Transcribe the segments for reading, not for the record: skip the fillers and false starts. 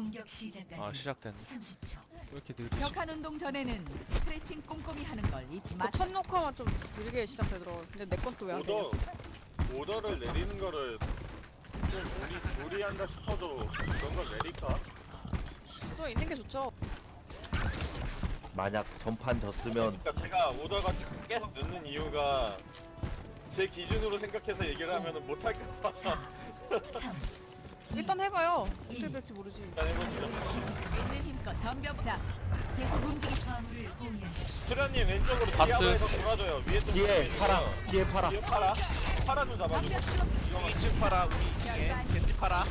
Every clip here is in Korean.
공격 시작까지 아 시작됐네. 30초. 왜 이렇게 느리지? 벽한 운동 전에는 스트레칭 꼼꼼히 하는 걸 잊지 마. 첫 녹화만 좀 느리게 시작되더라고. 근데 내 건 또 왜 안 돼? 오더를 내리는 거를 좀 무리한다 싶어도 그런 걸 내릴까? 또 있는 게 좋죠. 만약 전판 졌으면 그러니까 제가 오더가 계속 늦는 이유가 제 기준으로 생각해서 얘기를 하면은 못할 것 같아. 3, 일단 해봐요. 어떻게 될지 모르지. 일단 해보시죠. 있는 힘껏 덤벼자. 계속 움직입시다. 화물을 공유하십시오. 수련님 왼쪽으로 바스. 디아바에서 돌아줘요. 위에 좀 뒤에 보여주세요. 파라, 뒤에 파라. 뒤에 파라. 파라 좀 잡아주고. 이거 2층 파라 우리 2층에 겐지 파라.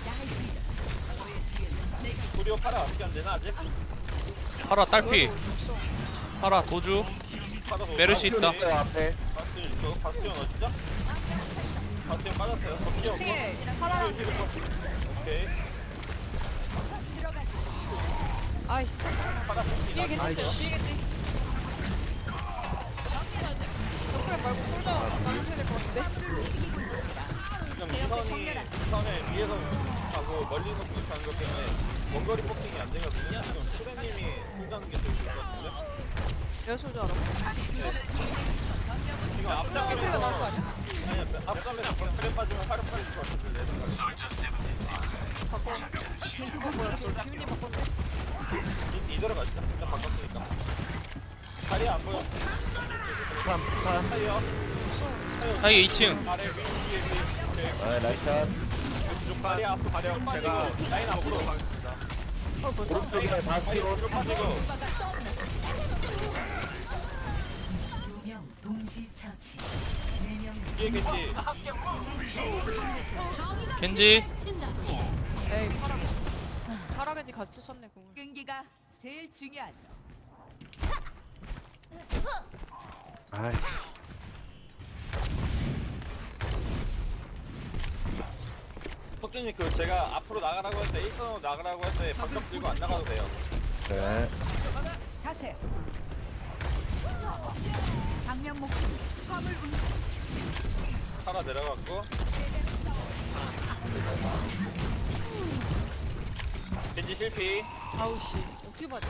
도리어 파라 어떻게 안 되나 아직? 파라 딸피. 파라 도주. 파라 도- 메르시 있다. 있어요 앞에. 바스티온 있어. 바스티온 어디죠? 바스티온 빠졌어요. 바스티온 없어? 층에 파라. 오케이. 아이, 파라 뒤에 바스티온. 괜찮대요. 뒤에 괜찮. 덕분에 말고 홀더 나눠줘야 될 것 같은데. 지금 이선에 위에서 하고 멀리서 공격하는 것 때문에 원거리 포킹이 안 되거든요. 지금 수련님이 쏘자는 게 더 좋을 것 같은데. 내가 쏠줄 알아. 지금 앞장에 소리가 나올 거 아니야? 아니 앞장에서 버클에 빠지면 화력 빠질 것 같은데 내 생각에. 바꿔. 뭐야? 저 기훈이 바꿨네. 이대로 가시죠. 일단 바꿨으니까. 다리 안 보여. 산. 타이어. 하이 2층. 아래 위에. 오케이. 아 나이스. 다리 앞으로 가려. 제가 라인 앞으로 가겠습니다. 오른쪽에 바스티온. 뒤로 빠지고. 2명 동시 처치. 4명 뒤에 계시. 겐지. 에이, 파라. 파라겐지 같이 쳤네, 공을. 끈기가 제일 중요하죠. 아이. 석준님 그 제가 앞으로 나가라고 할 때 1선으로 나가라고 할 때 방벽 들고 안 나가도 돼요. 네. 가세요. 방면 목표 화물 운동. 살아 내려갔고. 겐지 실패. 아우, 씨. 어떻게 봤지?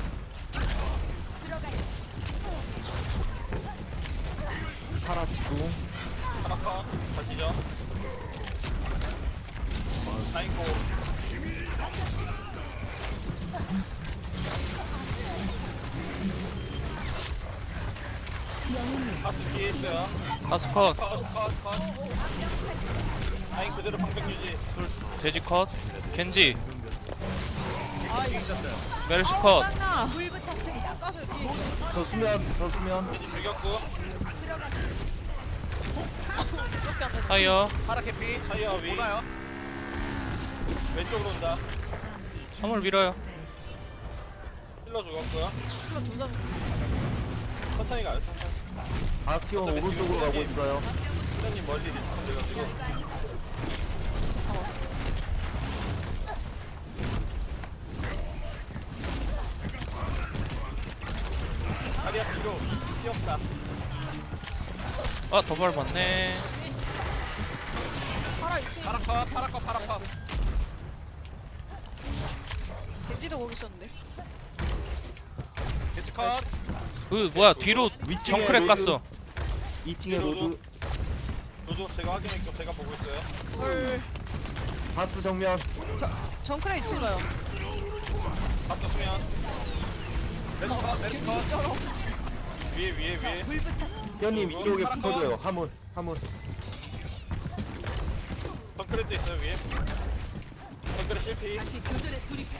파라 지붕. 하나파 가시죠. 사인코. 파스 뒤에 있어요. 파스컷. 컷. 라인 그대로 방벽 유지. 돼지 컷. 겐지. 아, 이거. 메르시 컷. 짱나. 불 붙었습니다. 아까서 뒤에 있어. 저 수면. 겐지 죽였고. 이렇게 안 돼. 타이어. 파라 캐피. 타이어 위. 왼쪽으로 온다. 화물 밀어요. 힐러 죽었고요. 이거 둘 다. 천천히 가요. 천천히. 바스티온 오른쪽으로 가고 있어요. 선생님 멀리 리스폰 돼가지고. 다리 앞뒤로 뛰었다. 아 도발 받네. 파라 있지. 파라카. 겐지도 거기 있었는데. 겐지 컷. 그 뭐야 뒤로 위층에 정크랙 로드. 갔어. 2층에 로드. 로드 제가 확인했고 제가 보고 있어요. 헐. 바스 정면. 정크레 있지 마요. 앞서 수면. 레스컷. 위에. 불 붙었습니다. 현님 이쪽에 붙어줘요. 화물. 덩크렛도 있어요 위에. 덩크렛 실패. 다시 교전에 돌입해.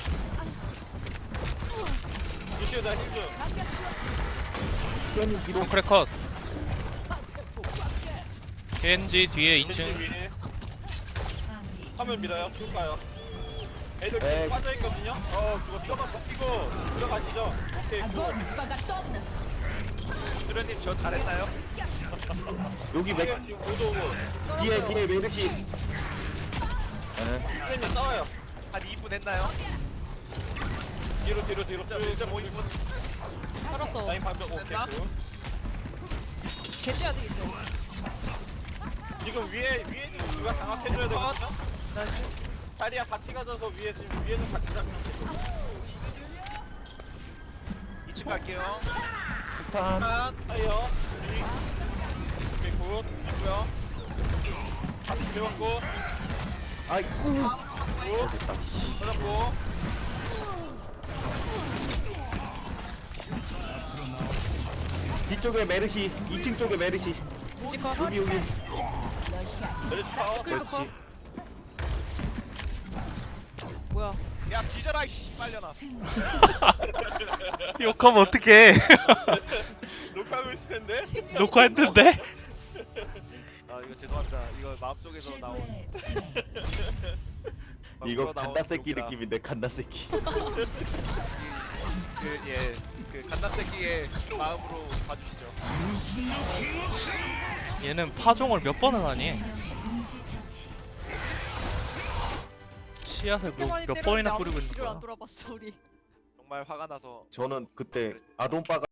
유시오다 힐즈. 현님 뒤로. 정크랙 컷. 겐지 뒤에 겐지 2층. 위에. 화면 밀어요. 쭉 가요. 애들 네. 지금 빠져있거든요. 죽었어. 버티고 들어가시죠. 오케이 굿. 오빠가 떠났어. 수련님 저 잘했나요? 여기 맥. 지금 오도 오고. 뒤에 메르시. 네. 수련님 싸워요. 한 2분 했나요? 뒤로. 진짜 뭐 2분? 살았어. 라인 방벽 오케이 굿. 겐지 아직 있어. 지금 위에 누가 장악해줘야 되거든요. 나이스. 자리야 같이 가져서 위에 지금 위에는 같이 잡히지. 2층 갈게요. 폭탄. 하이요. 오케이 굿. 좋고요. 같이 배웠고. 아이쿠. 굿. 됐다. 찾았고. 뒤쪽에 메르시, 2층 쪽에 메르시. 여기 여기. 메리츠 파워. 그렇지. 뭐야? 야 뒤져라 이씨 빨려나. 승리. 욕하면 어떡해. 녹화하고 있을 텐데. 녹화했는데? 아 이거 죄송합니다. 이거 마음속에서 나온. 최고의 이거 마음속으로 나온 간다 새끼 욕이라. 느낌인데 간다 새끼. 그 갓나새끼의 마음으로 봐주시죠. 얘는 파종을 몇 번을 하니? 처치. 동시 처치. 씨앗을 이렇게 많이 몇 때렸는데 번이나 아무도 뿌리고 있는 뒤를 안 거야. 돌아봤어 우리. 정말 화가 나서 저는 그때 아돈바가